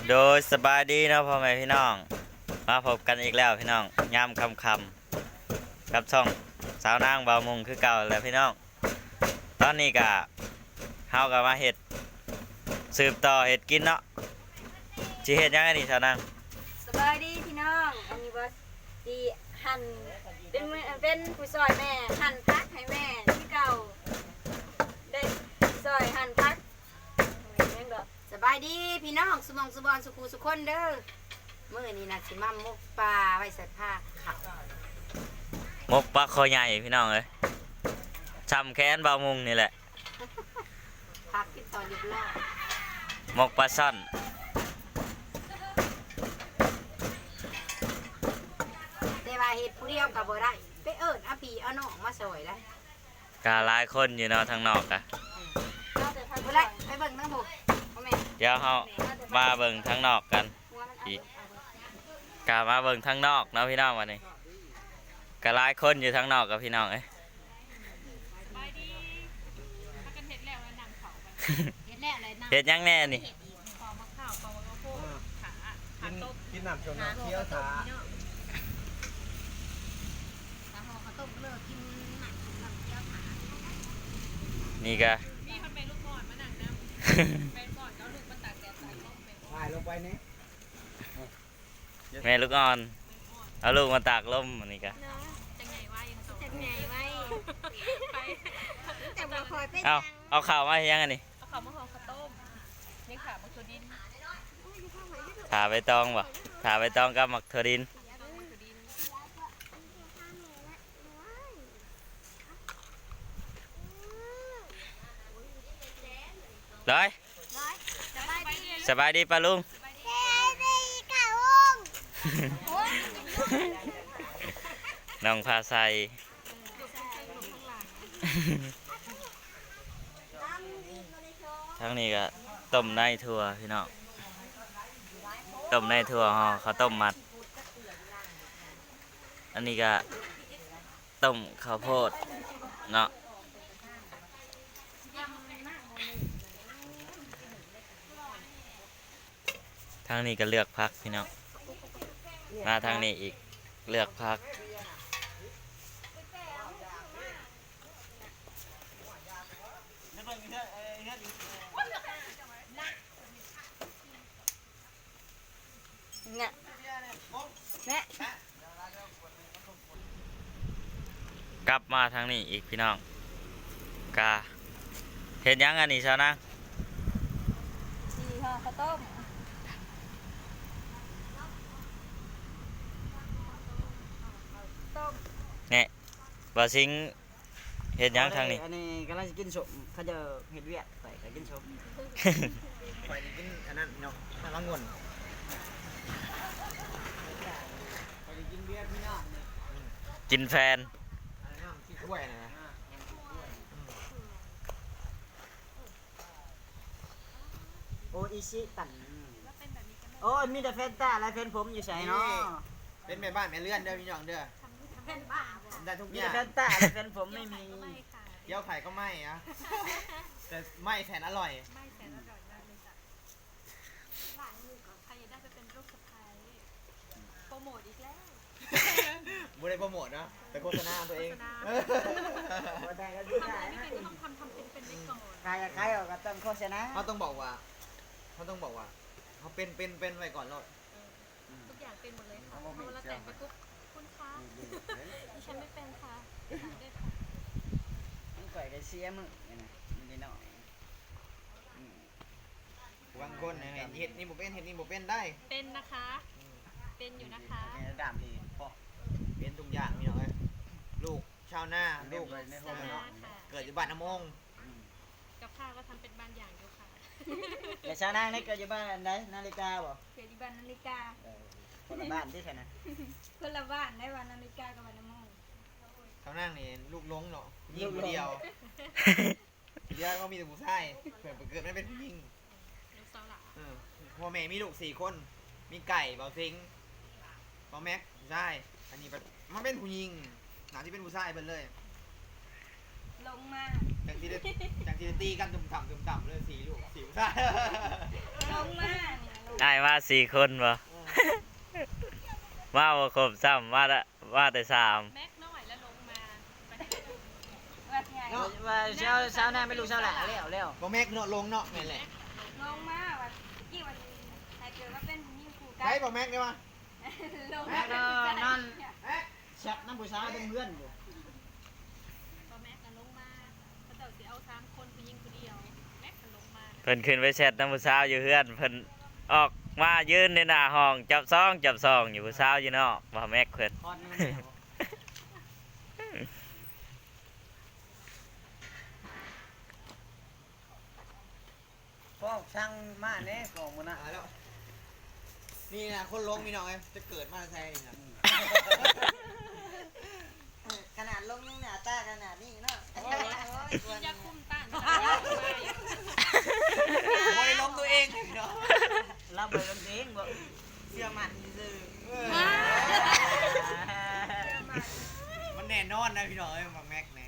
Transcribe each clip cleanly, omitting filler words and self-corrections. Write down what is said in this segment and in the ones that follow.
โดยสบายดีนะพ่อแม่พี่น้องมาพบกันอีกแล้วพี่น้องยามคำกับช่องสาวนางบ่าวมุงคือเก่าแล้วพี่น้องตอนนี้ก็เฮากับมาเห็ดสืบต่อเห็ดกินเนาะสิเห็ดยังไงนี่สาวนางสบายดีพี่น้องอันนี้ว่าดีหั่นเป็นผู้ซอยแม่หั่นพักให้แม่ที่เก่าได้ซอยหั่นพักสบายดีพี่น้องสุมองสุบอนสุขูสุคนเด้อเมื่อนี้นะสิมามุกปลาไว้ใส่ผ้าขาวมกปลาคอใหญ่พี่น้องเลยช้ำแค้นบ่าวมุงนี่แหละพักที่ตอนเรียบร้อยมกปลาซ่อนแต่ว่าเห็ดผู้เดียวกับบ่ได้ไปเอิญอาปีเอาน้องมาซอยได้กาหลายคนอยู่เนาะทางนอกอะบ่ได้ไปเบิ่งทั้งหมดเดี๋ยวเฮามาเบิ่งทางนอกกันอีกกามาเบิ่งทางนอกเนาะพี่น้องวันนี้กาหลายคนอยู่ทางนอกกับพี่น้องเอ้ยเห็ดยังแน่นี่กินน้ำชมน้ำเคี้ยวขานี่ก็ถ่ายลงไปนี่แม่ลูกอ่อนเอาลูกมาตากลมอันนี้ก็เอาข่าวมาให้ยังอันนี้เอาข้าวมะฮองข้าวต้มนี่ค่ะมักถั่วดินถาใบตองบ่ถาใบตองกับหมักถั่วดินร้อยสบายดีป้าลุงน้องพาใส่ทั้งนี้ก็ต้มในถั่วพี่น้องต้มในถั่วห่อข้าวต้มมัดอันนี้ก็ต้มข้าวโพดเนาะทางนี้ก็เลือกพักพี่น้องมาทางนี้อีกเลือกพักเนี่ยแม่กลับมาทางนี้อีกพี่น้องกาเห็นยังอันนี้ชาวนะสีห่อข้าวต้มเนี่ยบาซิงเห็นยังทางนี้อันนี้กำลังจะกินสมเขาจะเห็ดเวียดไปแต่กินสมไปกินอันนั้นเนาะมันละงวนไปกินเบียร์พี่น้องกินแฟนกินถ้วยนะโออิชิตันโอ้มีแต่แฟนตาและแฟนผมอยู่ใส่เนาะเป็นแม่บ้านแม่เลื่อนเด้อพี่น้องเด้อเป็นบ้าได้ทุกอย่างมีแต่แฟนตาและแฟนผมไม่มีเกี๊ยวไข่ก็ไม่อะแต่ไม่แสนอร่อยไม่แสนอร่อยมากเลยจ้ะหลานมือก่อนใครได้ไปเป็นลูกสะใภ้โปรโมทอีกแล้วบุได้โปรโมทนะแต่โฆษณาตัวเองได้ก็ดูได้ไม่เป็นต้องทำเป็นไปก่อนใครก็ต้องโฆษณาเขาต้องบอกว่าเขาเป็นไว้ก่อนแล้วทุกอย่างเป็นหมดเลยค่ะพอเราแต่งไปปุ๊บคุณคะดิฉันไม่เป็นค่ะได้ค่ะต้องก่อยกับเชียร์มึงนี่หน่อยบางคนเห็ดนี่บุเป็นได้เป็นนะคะเป็นอยู่นะคะดามดีพอเป็นทุกอย่างพี่น้อยลูกชาวนาลูกเกิดอยู่บ้านน้ำมงกับข้าวก็ทำเป็นบางอย่างอยู่ค่ะแต่ชาวนาเนี่ยเกิดอยู่บ้านไหนนาฬิกาบ่เกิดอยู่บ้านนาฬิกาคนละบ้านที่ไหนนะคนละบ้านได้บ้านนาฬิกากับบ้านน้ำมงชาวนานี่ลูกล้งเนาะยิงเดียวก็มีแต่ผู้ชายเกิดไม่เป็นผู้หญิงพ่อแม่มีลูก4 คนมีไก่เบาซิงเบาแม็กใช่อันนี้มันเป็นผู้หญิงหนาที่เป็นผู้ชายเป็นเลยลงมาจากที่ตีกันตุ่มต่ำเลย4 ลูก4 ผู้ชายลงมาเนี่ยลงอ้ายมา4คนบ่ มาบ่ครบซ้ำมาแต่3 แม็กน้อยแล้วลงมาไปว่าไงเนาะว่าเช้าหน้าไม่รู้เช้าหละแล้วบ่แม็กเนาะลงเนาะแม่นแหละลงมาว่ากี่วันใครเกิดว่าเป็นผู้หญิงคู่กัใช้บ่แม็กได้มาลงแม็มากนั่นชักน้ำผู้ชายเป็นเพื่อนบ่พอแม็กน่ะลงมาเขาเจ้าสิเอา3คนผู้หญิงผู้เดียวแม็กน่ะลงมาเพิ่นขึ้นไปแชทน้ำผู้สาวอยู่เฮือนเพิ่นออกมายืนในหน้าห้องจับซองอยู่ผู้สาวอยู่นอกบ่แม็กเพิ่นคอนมันเนี่ยพ่อช่างมาแน่ของมันนะแล้วนี่นะคนลงมีน้องไงจะเกิดมาใช่นี่นะขนาดลงยังหน้าตาขนาดนี้เนาะกินยาคุมต้านโอ้ยลงตัวเองเนาะเราไปลงตัวเองบ่เสื้อมันซื่อมันแน่นอนนะพี่น้องเอ้ยมาแม็กแน่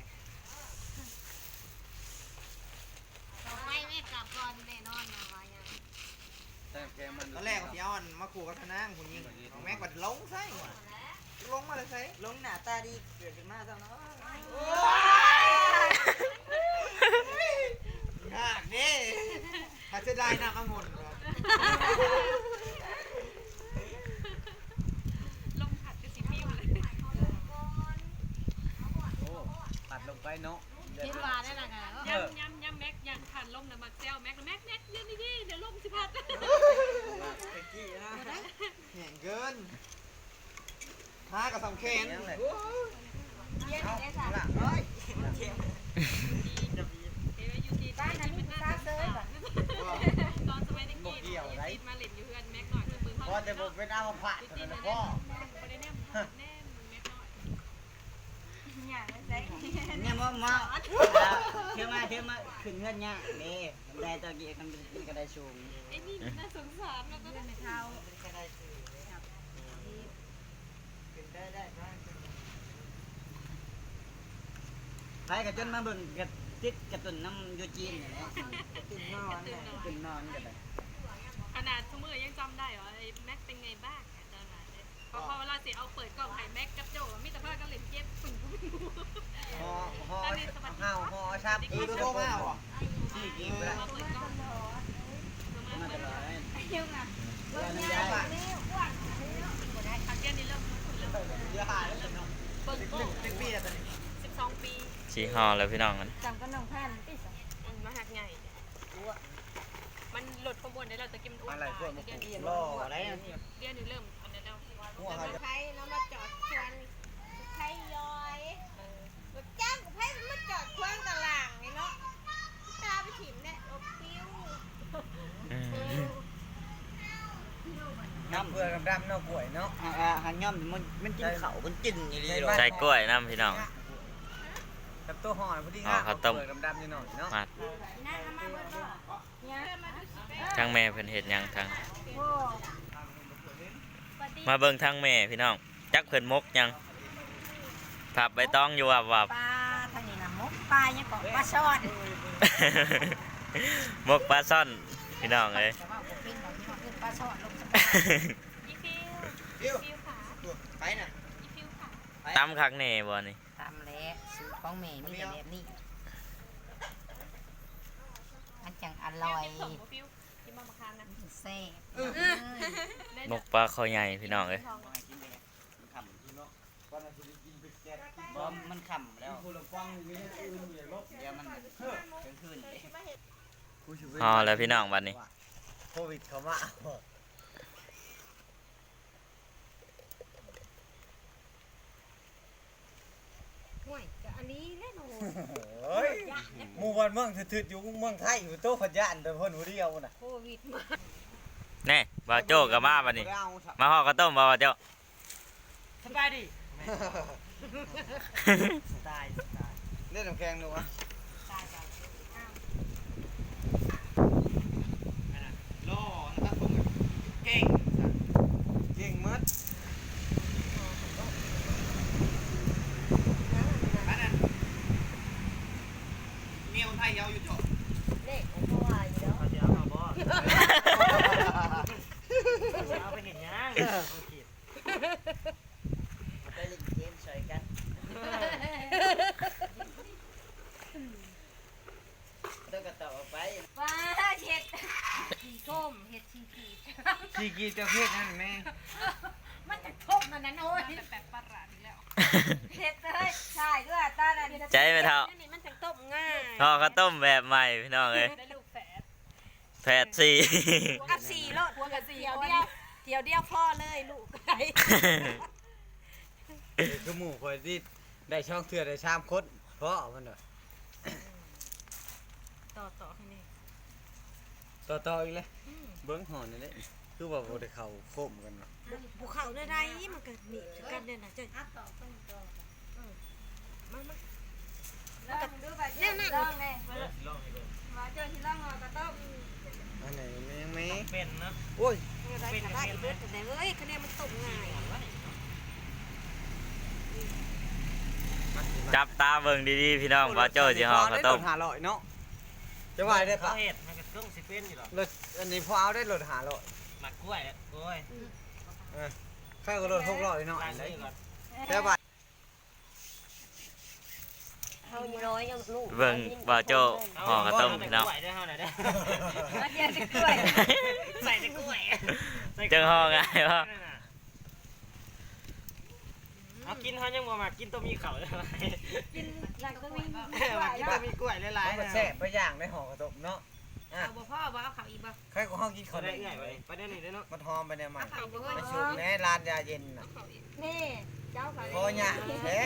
ไม่ไม่กลับก่อนแน่นอนนะว่ายังตอนแรกพี่เอาอันมาขู่กับทนางคุณยิงของแม็กบัดลงใส่ว่ะลงมาเลยใส่ลงหน้าตาดีเกิดขึ้นมาจังเนาะยากเด้ถ้าจะได้น้ำองุ่นลงผัดกับสิปิ้วเลยปัดลงไปเนาะคิดว่าได้ละค่ะย่ำแม็กย่างผ่านลมน่ะมาแซวแม็กเดี๋ยวนี่เดี๋ยวลมสิพัดไปกี้นะแห่งเกินท้ากับสำเคนเย็นได้สามหลังเฮ้ยอยู่ที่บ้านนั้นเป็นหน้าเซยตอนสมัยเด็กๆติดมาเล่นอยู่เพื่อนแม็กหน่อยมือพอแต่ผมเป็นเอาผ่าติดตัวๆนั้นะนพ่อบ่ได้แนมแม็กหน่อยอย่างนั้นใช่เนี่ยมาเที่ยวมาขึ้นเงินเนี่ยนี่ได้ตะกี้กันก็ได้สูงไอ้นี่น่าสงสารแล้วก็ได้เท้าก็ได้สูงขึ้นได้ไปกับจนมาเบิ่งกับติดกับตุนน้ำยูจีนเนี่ยตุนนอนกันเลยขนาดทุกมือยังจำได้เหรอไอ้แม็กเป็นไงบ้างตอนนั้นพอเวลาเสียเอาเปิดกล่องไห้แม็กกับโจมิตรภาพก็เล่นเกมปึ่งห่อชาบอีกตัวมาเหรอที่กินไปแล้วมาเปิดกล้องมาตลอดเลยเที่ยวนะรถยานี่อ้วนทางแก้นี้เริ่มเยอะหายแล้วเนาะเปิดกล้อง 1 ปีแล้วตอนนี้ 12 ปีสีฮอแล้วพี่น้องกันจำก็น้องพันที่สองมาหักใหญ่มันหลุดขบวนได้เราจะกินอุ้มอะไรพวกมันเดือนนี้ล่ออะไรนี่เดือนนี้เริ่มอันนั้นแล้วหัวเขาจะไทยแล้วมาจอดชวนไทยย้อยรถจ้างกับไทยมาจอดควางตลาดนี่เนาะตาไปถิ่มเนี่ยอบปิ้วน้ำเพื่อดำเนาะป่วยเนาะหันย่อมมันกินเขามันกินอย่างนี้ใส่กล้วยน้ำพี่น้องกับตัวห่อพอดีอ๋อข้าวต้มดำๆนิดหน่อยเนาะมาน่ามาเบอร์ก็เนี่ยมาดูสิทางแม่เพิ่นเฮ็ดหยังทางโอ้มาเบิ่งทางแม่พี่น้องจักเพิ่นมกหยังผับใบตองอยู่วับปลาทางนี้นะมกปลาเนี่ยก็ปลาช่อนมกปลาซ่อนพี่น้องเอ้ยแต่ว่าผมเป็นแบบนี้มันคือปลาช่อนลงสอีฟิวฟิวฟิวขาไปน่ะอีฟิวขาตำคักแน่บ่นี่ตามแล้วสูตรของแม่มีแต่แบบนี้มันจังอร่อยส่งฟิวกินมาคานนะแซ่บมกปลาคอใหญ่พี่น้องเอ้ยมันขำแล้วเดี๋ยวมันขึ้นฮอแล้วพี่น้องบัดนี้โควิดเขามาห่วยก็อันนี้แน่นอนเฮ้ยหมู่บ้านเมืองถืดอยู่เมืองไทยอยู่โต๊ะขยานแต่เพิ่นผู้เดียวน่ะโควิดมาแน่บ่าวโจ้ก็มาบัดนี้มาฮอดข้าวต้มบ่าวโจ้สบายดีตายเล่นน้ำแข็งดูวะล่อนะครับผมเก่งมัดอันนั้นเมียคนไทยเอาอยู่จบเด็กของพ่ออยู่แล้วเขาจะเอาบ่ชีกีจะเพศนั่นแม่มันจะทบมันนั้นโอ้ยแต่แปลกประหลาดอีกแล้วเผ็ดเลยใช่ด้วยตาน่ะใจไปเท่านี่มันจะต้มง่ายห่อข้าวต้มแบบใหม่พี่น้องเอ้ยได้ลูกแฝดแพทสี่กับสี่รถหัวกับสี่เดียวพ่อเลยลูกไก่คือหมู่คนที่ได้ช่องเถื่อได้ชามคดเพราะมันเด้อต่อให้นี่ต่ออีกเลยเบิ้งหอนนี่แหละคือว่าบ่ได้เข้าโคมกันเนาะภูเขาได้ไรมันก็มีกันเนี่ยนะจะมันแล้วก็ดูแบบเนี่ยลองเลยมาเจอที่ลองกระต้มอันไหนยังไม่เป็นเนาะโอ้ยอะไรก็ได้เบิดแต่เอ้ยคะแนนมันต้มง่ายจับตาเบิ่งดีๆพี่น้องบ่โจ้สิห่อข้าวต้มหาลอยเนาะจะว่าได้ปะเห็ดมันก็ต้องสิเป็นอยู่หรอรถอันนี้พอเอาได้รถหาลอยหมักกล้วยอะกล้วยใครก็รถ6ล้อเลยเนาะล้างเลยก่อนแต่ว่าเขาน้อยยังลูกเบิ่งบ่โจ้ห่อข้าวต้มพี่น้องกล้วยได้เท่าไหร่ได้มาเดียวจะกล้วยใส่ในกล้วยจังห่อง่ายบ่เอากินเขายังบ่มากินต้มมีเข่าได้ไหมกินหลังก็มีมากินต้มมีกล้วยหลายๆมันนะแซ่บไปอย่างได้ห่อกระตบเนาะเอาบ่พ่อบ่เอาเขาอีกบ่ใครก็ห้องกินเขาข้าวได้ได้เอื่อยไปได้นี่ได้เนาะมันหอมไปเนี่ยมันเขาบ่เฮ้ยไปชุบแน่ร้านยาเย็นน่ะนี่เจ้าเขาพอเนี่ยเอ๊ะ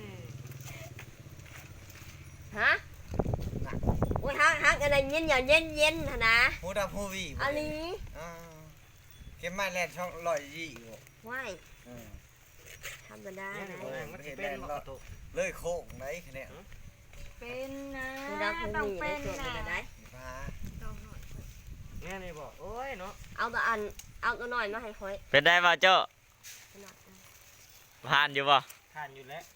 ฮะโอ้ยฮักอะไรเย็นอย่าเย็นนะฮูดาฮูวีอันนี้เก็บไม้แลนช่องลอยยี่อยู่ว่ายธรรมดาเนี่ยนะมันสิเป็นบ่กระตุกเลยโค้งไหนคะเนี่ยเป็นนะคุณดับคุณต้องมีเป็นได้ตัวนะได้มาเนี่ยนี่บอกโอ้ยเนาะเอาตัวอันเอาตัวหน่อยมาให้ค่อยเป็นได้บ่โจ้ผ่านอยู่บ่ทานอยู่แล้ว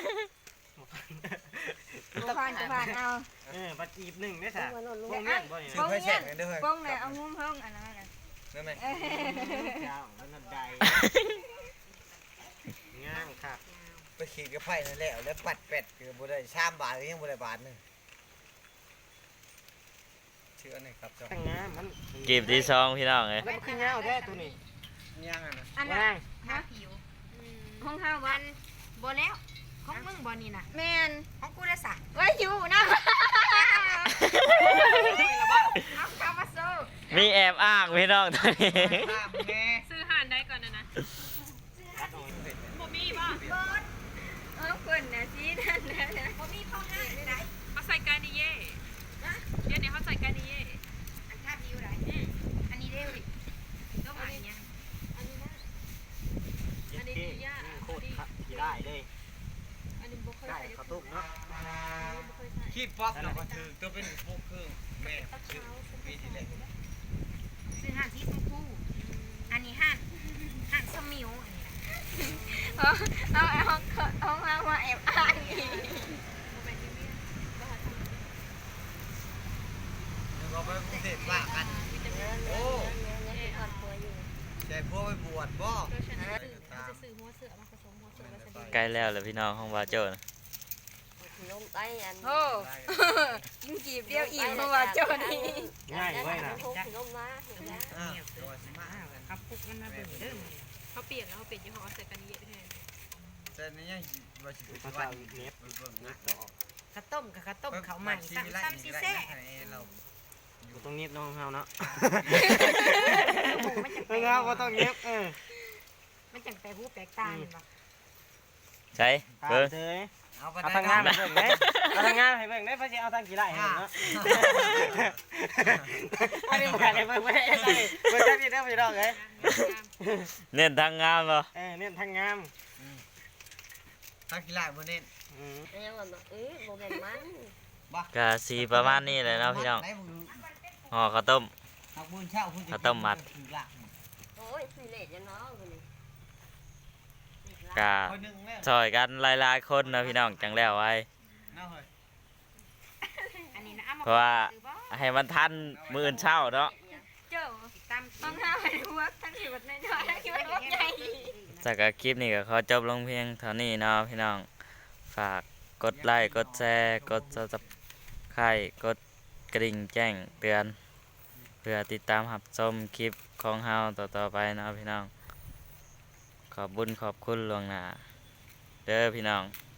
ผ่านจะผ่านเอาปัจจีบหนึ่งได้สะมาหล่นลงพวกนี้บ่เนี่ยซื้อไฟแฉกกันด้วยป้องเลยเอางุ้มเพิ่งอันนั้นนะนั่นไหมเจ้ามันนั่นใดง่ามค่ะไปขี่กับไผ่นั่นแหละแล้วปัดเป็ดคือบุได้ชามบาทยังบุได้บาทนึงชื่ออันนี้ครับเจ้าตั้งง่ามมันกีบที่ซองพี่น้องเอ้ยแล้วมันขึ้นเงาได้ตัวนี้ย่างอันนั้นอันว่านั้นั่นงทาผิวห้องข้าววันบ่แล้วของมึงบ่นี่นะแมนของกูได้สักว่าอยู่นะเอาข้าวมาสู้มีแอบอ้างพี่น้องตอนนี้ข้ามแม่ซื้อห่านได้ก่อนนะบ่มีป่ะเอาคนนะซีนั่นนะบ่มีพ่อห้าได้เขาใส่กานิเย่เดี๋ยวนี้เขาใส่กานิเย่อันทาผิวได้อันนี้เร็วดิก็มาเนี่ยอันนี้ยากโคตรที่ได้เลยอันนี้บ่เคยได้ใส่ข้าวต้มเนาะบ่เคยใส่ขี้ป๊อปเราก็ถือตัวเป็นพวกเครื่องแม่ชื่อปีที่แล้วซื้อห่านสีชมพูอันนี้ห่านสมิวอันนี้นะเอามาแอบอ้างอีกเราไปกรุงเทพว่ากันโอ้ใจพวกไปบวชบ่จะซื้อหัวเสือมาผสมหัวเสือแล้วจะใกล้แล้วแหละพี่น้องของบ่โจ้นะลงใต้อันโอ้ยิงกีบเดียวอิ่มเพราะว่าเจ้านี่ง่ายเว้ยนะลงมาเห็นไหมตัวสิมากันครับพุกกันนะเบิ่งเด้อเขาเปลี่ยนแล้วเขาเปลี่ยนยี่ห้อใส่กานิเย่แทนแต่นี่ยังว่าสิภาว่าษาเน็บเบิ่งนะข้าวต้มกับข้าวต้มข้าวใหม่ซ้ำซีแซ่เราอยู่ตรงนี้น้องเฮาเนาะมันจังเฮาก็ต้องเน็บมันจังแปลหูแปลกตาเห็นปะใช่ตามเบิ่งเถยเอาไปเอาทางงานให้เบิ่งได้เอาทางงานให้เบิ่งได้เพราะสิเอาทางกี่ไร่ให้เบิ่งเนาะอันนี้บ่ได้เบิ่งบ่ได้เบิ่งจักนิดเด้อพี่น้องเอ้ยเน้นทางงามบ่เน้นทางงามทักกีฬาบ่เน้นยังว่าโมเมนต์มันก็สีประมาณนี้เลยเนาะพี่น้องห่อข้าวต้ม ข้าวต้มมัดโอ้ยสิเละจะน้องคนนี้ก็ซอยกันหลายๆคนนะพี่น้องจังแล้วไว้อันนี้นะเอามาเพราะว่าให้มันทันมื้ออื่นเช้าเนาะเจ้าตามห้องข้าวให้หัวทั้งขีดน้อยๆทั้งขีดใหญ่จากคลิปนี้ก็ขอจบลงเพียงเท่านี้เนาะพี่น้องฝากกดไลค์กดแชร์กด Subscribe กดกระดิ่งแจ้งเตือนเพื่อติดตามรับชมคลิปของเฮาต่อๆไปเนาะพี่น้องขอบคุญขอบคุณล่วงหน้าเด้อพี่น้อง